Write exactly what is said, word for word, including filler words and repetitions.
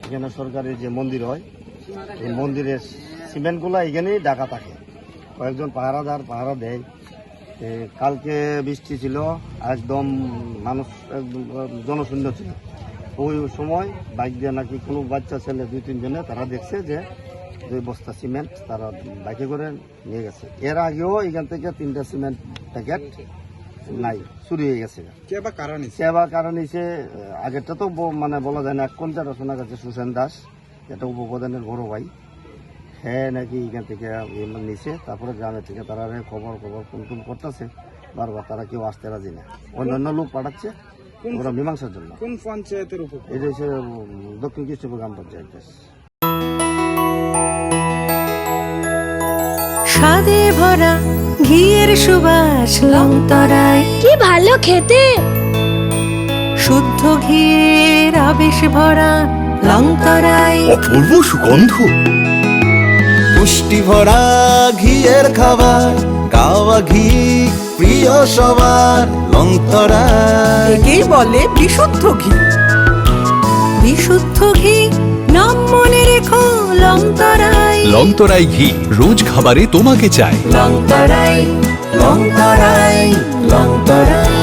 এখানে সরকারি যে মন্দির হয় এই মন্দিরের সিমেন্টগুলো এখানেই ঢাকা থাকে, কয়েকজন পাহারাদার পাহারা দেয়। কালকে বৃষ্টি ছিল, একদম মানুষ একদম জনশূন্য ছিল। ওই সময় বাইক দিয়ে নাকি কোনো বাচ্চা ছেলে দুই তিনজনে তারা দেখছে যে দুই বস্তা সিমেন্ট তারা বাইকে করে নিয়ে গেছে। এর আগেও এখান থেকে তিনটা সিমেন্ট প্যাকেট নাই, চুরি হয়ে গেছে। কে বা কারণ হিসে আগেরটা তো মানে বলা যায় না। এক কোন চারা শোনা গেছে সুসেন দাস, এটা উপপ্রধানের বড় ভাই, হ্যাঁ নাকি এখান থেকে নিছে। তারপরে গ্রামের থেকে তারা খবর খবর ফোন টোন করতেছে, বারবার তারা কেউ আসতে রাজি না, অন্যান্য লোক পাঠাচ্ছে ওরা মীমাংসার জন্য। কোন পঞ্চায়েতের উপর? এটা হচ্ছে দক্ষিণ কৃষ্ণপুর গ্রাম পঞ্চায়েত। স্বাদে ভরা ঘিয়ের সুবাস লংতরায়, কি ভালো খেতে। শুদ্ধ ঘিয়ের আবেশ ভরা লংতরায়, অপূর্ব সুগন্ধ, পুষ্টি ভরা ঘিয়ের খাবার, গাওয়া ঘি প্রিয় সবার লংতরায়। একেই বলে বিশুদ্ধ ঘি। বিশুদ্ধ ঘি নাম মনে রেখো লংতরায়। লংতরাই ঘি রোজ খাবারে তোমাকে চাই। লংতরায়, লংতরায়, লংতরায়।